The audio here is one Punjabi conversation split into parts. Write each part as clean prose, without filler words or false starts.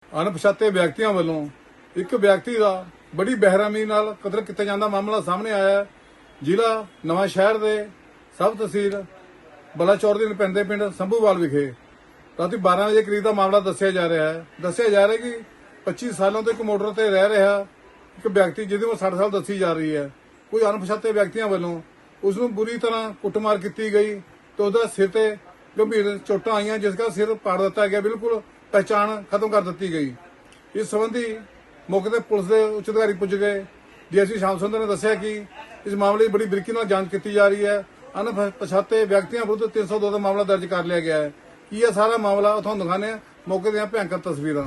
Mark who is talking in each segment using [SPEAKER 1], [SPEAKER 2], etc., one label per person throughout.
[SPEAKER 1] ਅਣਪਛਾਤੇ ਵਿਅਕਤੀਆਂ ਵੱਲੋਂ ਇੱਕ ਵਿਅਕਤੀ ਦਾ ਬੜੀ ਬੇਰਹਿਮੀ ਨਾਲ ਕਤਲ ਕੀਤਾ ਜਾਂਦਾ ਮਾਮਲਾ ਸਾਹਮਣੇ ਆਇਆ ਹੈ। ਜ਼ਿਲ੍ਹਾ ਨਵਾਂ ਸ਼ਹਿਰ ਦੇ ਸਬ ਤਹਿਸੀਲ ਬਲਾਚੌਰ ਦੇ ਪੈਂਦੇ ਪਿੰਡ ਸੰਭੂਵਾਲ ਵਿਖੇ ਰਾਤੀ 12 ਵਜੇ ਕਰੀਬ ਦਾ ਮਾਮਲਾ ਦੱਸਿਆ ਜਾ ਰਿਹਾ ਹੈ ਕਿ 25 ਸਾਲਾਂ ਤੋਂ ਇੱਕ ਮੋਟਰ ਤੇ ਰਹਿ ਰਿਹਾ ਇੱਕ ਵਿਅਕਤੀ ਜਿਹਦੀ ਉਮਰ 60 ਸਾਲ ਦੱਸੀ ਜਾ ਰਹੀ ਹੈ, ਕੋਈ ਅਣਪਛਾਤੇ ਵਿਅਕਤੀਆਂ ਵੱਲੋਂ ਉਸ ਨੂੰ ਬੁਰੀ ਤਰ੍ਹਾਂ ਕੁੱਟਮਾਰ ਕੀਤੀ ਗਈ ਤੇ ਉਹਦਾ ਸਿਰ ਤੇ ਗੰਭੀਰ ਚੋਟਾਂ ਆਈਆਂ, ਜਿਸ ਦਾ ਸਿਰ ਪਾੜ ਦਿੱਤਾ ਗਿਆ, ਬਿਲਕੁਲ ਪਹਿਚਾਣ ਖਤਮ ਕਰ ਦਿੱਤੀ ਗਈ। ਇਸ ਸੰਬੰਧੀ ਮੌਕੇ ਤੇ ਪੁਲਿਸ ਦੇ ਉੱਚ ਅਧਿਕਾਰੀ ਪੁੱਜ ਗਏ। ਡੀਐਸਪੀ ਸ਼ਾਮ ਸੁੰਦਰ ਨੇ ਦੱਸਿਆ ਕਿ ਇਸ ਮਾਮਲੇ ਦੀ ਬੜੀ ਬਰੀਕੀ ਨਾਲ ਜਾਂਚ ਕੀਤੀ ਜਾ ਰਹੀ ਹੈ। ਅਣਪਛਾਤੇ ਵਿਅਕਤੀਆਂ ਵਿਰੁੱਧ 302 ਦਾ ਮਾਮਲਾ ਦਰਜ ਕਰ ਲਿਆ ਗਿਆ ਹੈ। ਕੀ ਇਹ ਸਾਰਾ ਮਾਮਲਾ ਤੁਹਾਨੂੰ ਦਿਖਾਉਂਦੇ ਹਾਂ ਮੌਕੇ ਦੀਆਂ ਭਿਆਨਕ ਤਸਵੀਰਾਂ।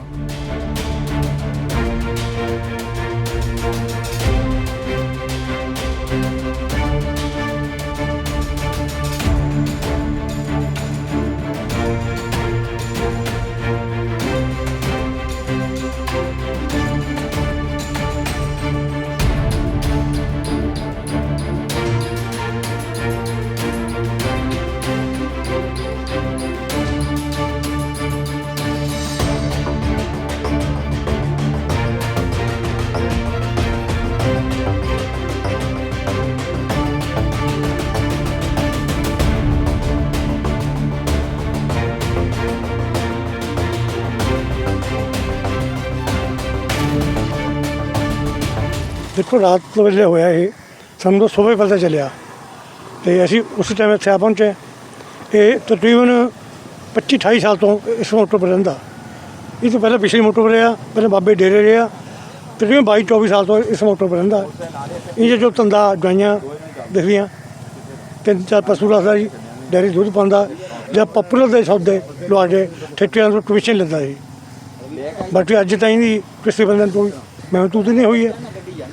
[SPEAKER 2] देखो रात वेले होया ये ਸਾਨੂੰ ਤਾਂ ਸੁਬਹ ਪਤਾ ਚੱਲਿਆ ਤੇ ਅਸੀਂ ਉਸ ਟਾਈਮ ਇੱਥੇ ਆ ਪਹੁੰਚੇ। ਇਹ ਤਕਰੀਬਨ 25-28 ਸਾਲ ਤੋਂ ਇਸ ਮੋਟਰ ਪਰ ਰਹਿੰਦਾ। ਇਹ ਤੋਂ ਪਹਿਲਾਂ ਪਿਛਲੀ ਮੋਟਰ ਪਰ ਰਿਹਾ, ਪਹਿਲਾਂ ਬਾਬੇ ਡੇਰੇ ਰਿਹਾ, ਤਕਰੀਬਨ 22-24 ਸਾਲ ਤੋਂ ਇਸ ਮੋਟਰ ਪਰ ਰਹਿੰਦਾ। ਇਹ ਜੋ ਧੰਦਾ ਗਾਈਆਂ ਦਿਖਦੀਆਂ, 3-4 ਪਸ਼ੂ ਰੱਖਦਾ ਜੀ, ਡੇਅਰੀ ਦੁੱਧ ਪਾਉਂਦਾ ਜਾਂ ਪਪੂਲਰ ਦੇ ਸੌਦੇ ਲਵਾ ਕੇ ਠੇਕਿਆਂ ਤੋਂ ਕਮਿਸ਼ਨ ਲੈਂਦਾ ਸੀ। ਬਾਕੀ ਅੱਜ ਤਾਈਂ ਦੀ ਕਿਸੇ ਬੰਦੇ ਤੋਂ ਮਹਿਸੂਸ ਨਹੀਂ ਹੋਈ ਹੈ।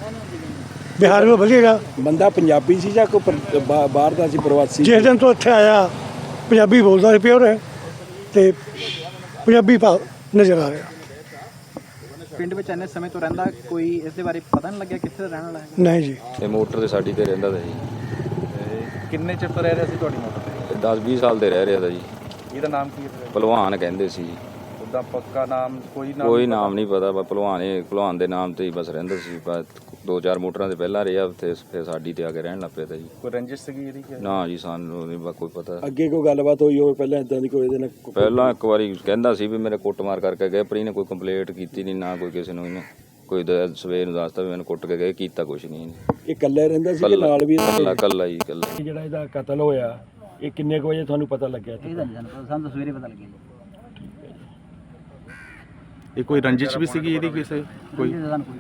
[SPEAKER 2] ਬਿਹਾਰ ਵਿੱਚ ਵਧੀਆ
[SPEAKER 3] ਬੰਦਾ ਪੰਜਾਬੀ ਸੀ ਜਾਂ ਕੋਈ ਬਾਹਰ ਦਾ ਸੀ, ਪ੍ਰਵਾਸੀ?
[SPEAKER 2] ਜਿਸ ਦਿਨ ਤੋਂ ਇੱਥੇ ਆਇਆ ਪੰਜਾਬੀ ਬੋਲਦਾ ਸੀ ਪਿਓਰ ਹੈ ਤੇ ਪੰਜਾਬੀ ਭਾਵ ਨਜ਼ਰ ਆ ਰਿਹਾ।
[SPEAKER 4] ਪਿੰਡ ਵਿੱਚ ਇੰਨੇ ਸਮੇਂ ਤੋਂ ਰਹਿੰਦਾ, ਕੋਈ ਇਸ ਦੇ ਬਾਰੇ ਪਤਾ ਨਹੀਂ ਲੱਗਿਆ ਕਿੱਥੇ ਦਾ ਰਹਿਣ ਵਾਲਾ ਹੈ?
[SPEAKER 2] ਨਹੀਂ ਜੀ,
[SPEAKER 5] ਇਹ ਮੋਟਰ ਤੇ ਸਾਡੀ ਤੇ ਰਹਿੰਦਾ ਤਾ ਜੀ।
[SPEAKER 4] ਕਿੰਨੇ ਚਿਰ ਤੋਂ ਰਹਿ ਰਿਹਾ ਸੀ ਤੁਹਾਡੀ ਮੋਟਰ ਤੇ?
[SPEAKER 5] 10-20 ਸਾਲ ਦੇ ਰਹਿ ਰਿਹਾ ਤਾ ਜੀ।
[SPEAKER 4] ਇਹਦਾ ਨਾਮ ਕੀ ਹੈ?
[SPEAKER 5] ਭਲਵਾਨ ਕਹਿੰਦੇ ਸੀ ਜੀ।
[SPEAKER 4] ਉਹਦਾ ਪੱਕਾ ਨਾਮ ਕੋਈ
[SPEAKER 5] ਨਾਮ ਨਹੀਂ ਪਤਾ, ਬਸ ਭਲਵਾਨ ਦੇ ਨਾਮ ਤੇ ਹੀ ਬਸ ਰਹਿੰਦਾ ਸੀ। ਬਸ 2-4 ਮੋਟਰਾਂ ਦੇ ਪਹਿਲਾਂ ਰਿਹਾ ਉੱਥੇ, ਫਿਰ ਸਾਡੀ ਤੇ ਆ ਕੇ ਰਹਿਣ ਲੱਗ ਪਿਆ ਤਾ ਜੀ।
[SPEAKER 4] ਕੋਈ ਰੰਜਿਸ਼ ਸੀਗੀ ਇਹਦੀ?
[SPEAKER 5] ਨਾ ਜੀ, ਸਾਨੂੰ ਨਹੀਂ ਕੋਈ ਪਤਾ।
[SPEAKER 3] ਅੱਗੇ ਕੋਈ ਗੱਲਬਾਤ ਹੋਈ ਹੋਵੇ ਪਹਿਲਾਂ ਇਦਾਂ ਦੀ ਕੋਈ ਇਹਦੇ ਨਾਲ?
[SPEAKER 5] ਪਹਿਲਾਂ ਇੱਕ ਵਾਰੀ ਕਹਿੰਦਾ ਸੀ ਵੀ ਮੇਰੇ ਕੁੱਟਮਾਰ ਕਰਕੇ ਗਏ, ਪਰ ਇਹਨੇ ਕੋਈ ਕੰਪਲੇਂਟ ਕੀਤੀ ਨਹੀਂ, ਨਾ ਕੋਈ ਕਿਸੇ ਨੂੰ ਇਹਨੇ ਕੋਈ ਸਵੇਰ ਨੂੰ ਦੱਸਦਾ ਵੀ ਮੈਨੂੰ ਕੁੱਟ ਕੇ ਗਏ, ਕੀਤਾ ਕੁਛ ਨਹੀਂ ਇਹਨੇ।
[SPEAKER 3] ਇਹ ਇਕੱਲਾ ਰਹਿੰਦਾ ਸੀ ਕਿ ਨਾਲ ਵੀ?
[SPEAKER 5] ਕੱਲਾ ਜੀ, ਕੱਲਾ।
[SPEAKER 3] ਜਿਹੜਾ ਇਹਦਾ ਕਤਲ ਹੋਇਆ ਇਹ ਕਿੰਨੇ ਕੁ ਵਜੇ ਤੁਹਾਨੂੰ ਪਤਾ ਲੱਗਿਆ?
[SPEAKER 4] ਸਾਨੂੰ ਤਾਂ ਸਵੇਰੇ ਪਤਾ ਲੱਗਿਆ।
[SPEAKER 6] ਇਹ ਕੋਈ ਰੰਜਿਸ਼ ਵੀ ਸੀਗੀ ਇਹਦੀ ਕਿਸੇ? ਕੋਈ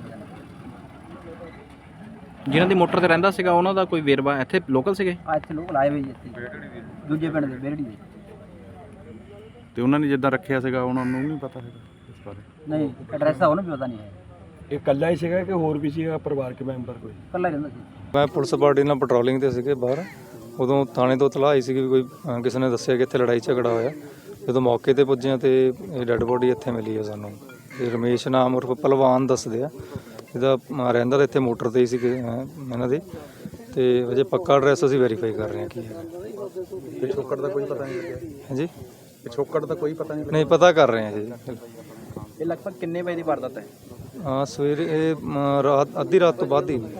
[SPEAKER 4] ਜਿਹਨਾਂ ਦੀ ਮੋਟਰ ਤੇ ਰਹਿੰਦਾ ਸੀਗਾ ਉਹਨਾਂ ਦਾ ਕੋਈ ਵੇਰਵਾ ਇੱਥੇ ਲੋਕਲ ਸੀਗੇ?
[SPEAKER 7] ਇੱਥੇ ਲੋਕਲ ਆਏ ਹੋਏ ਜੀ, ਇੱਥੇ ਦੂਜੇ ਪਿੰਡ ਦੇ ਬੇਰੜੀ ਦੇ।
[SPEAKER 6] ਤੇ ਉਹਨਾਂ ਨੇ ਜਿੱਦਾਂ ਰੱਖਿਆ ਸੀਗਾ ਉਹਨਾਂ ਨੂੰ ਨਹੀਂ ਪਤਾ ਹੈਗਾ ਇਸ ਬਾਰੇ?
[SPEAKER 7] ਨਹੀਂ, ਐਡਰੈਸ ਦਾ ਉਹਨੂੰ ਵੀ ਪਤਾ ਨਹੀਂ ਹੈ।
[SPEAKER 3] ਇਹ ਇਕੱਲਾ ਹੀ ਸੀਗਾ ਕਿ ਹੋਰ ਵੀ ਸੀਗਾ ਪਰਿਵਾਰਕ ਮੈਂਬਰ ਕੋਈ?
[SPEAKER 7] ਇਕੱਲਾ ਹੀ ਰਹਿੰਦਾ ਸੀ।
[SPEAKER 8] ਮੈਂ ਪੁਲਿਸ ਪਾਰਟੀ ਨਾਲ ਪੈਟਰੋਲਿੰਗ ਤੇ ਸੀਗੇ ਬਾਹਰ, ਉਦੋਂ ਥਾਣੇ ਤੋਂ ਇਤਲਾਹ ਆਈ ਸੀ ਕਿ ਕੋਈ ਕਿਸੇ ਨੇ ਦੱਸਿਆ ਕਿ ਇੱਥੇ ਲੜਾਈ ਝਗੜਾ ਹੋਇਆ। ਜਦੋਂ ਮੌਕੇ ਤੇ ਪੁੱਜੇ ਤੇ ਇਹ ਡੈੱਡ ਬੋਡੀ ਇੱਥੇ ਮਿਲੀ ਹੈ ਸਾਨੂੰ। ਇਹ ਰਮੇਸ਼ ਨਾਮ ਉਰਫ ਭਲਵਾਨ ਦੱਸਦੇ ਆ, ਇਹਦਾ ਰਹਿੰਦਾ ਤਾਂ ਇੱਥੇ ਮੋਟਰ ਤੇ ਹੀ ਸੀ ਇਹਨਾਂ ਦੀ। ਤੇ ਅਜੇ ਪੱਕਾ ਐਡਰੈਸ ਅਸੀਂ ਵੈਰੀਫਾਈ ਕਰ ਰਹੇ ਹਾਂ ਕੀ ਹੈ।
[SPEAKER 6] ਪਿਛੋਕੜ ਦਾ ਕੋਈ ਪਤਾ ਨਹੀਂ ਲੱਗਿਆ?
[SPEAKER 8] ਹਾਂਜੀ,
[SPEAKER 6] ਪਿਛੋਕੜ ਦਾ ਕੋਈ ਪਤਾ
[SPEAKER 8] ਨਹੀਂ ਪਤਾ ਕਰ ਰਹੇ ਹਾਂ ਜੀ।
[SPEAKER 4] ਇਹ ਲਗਭਗ ਕਿੰਨੇ ਵਜੇ ਦੀ ਵਾਰਦਾਤ ਹੈ?
[SPEAKER 8] ਸਵੇਰੇ ਇਹ ਰਾਤ ਅੱਧੀ ਰਾਤ ਤੋਂ ਬਾਅਦ ਹੀ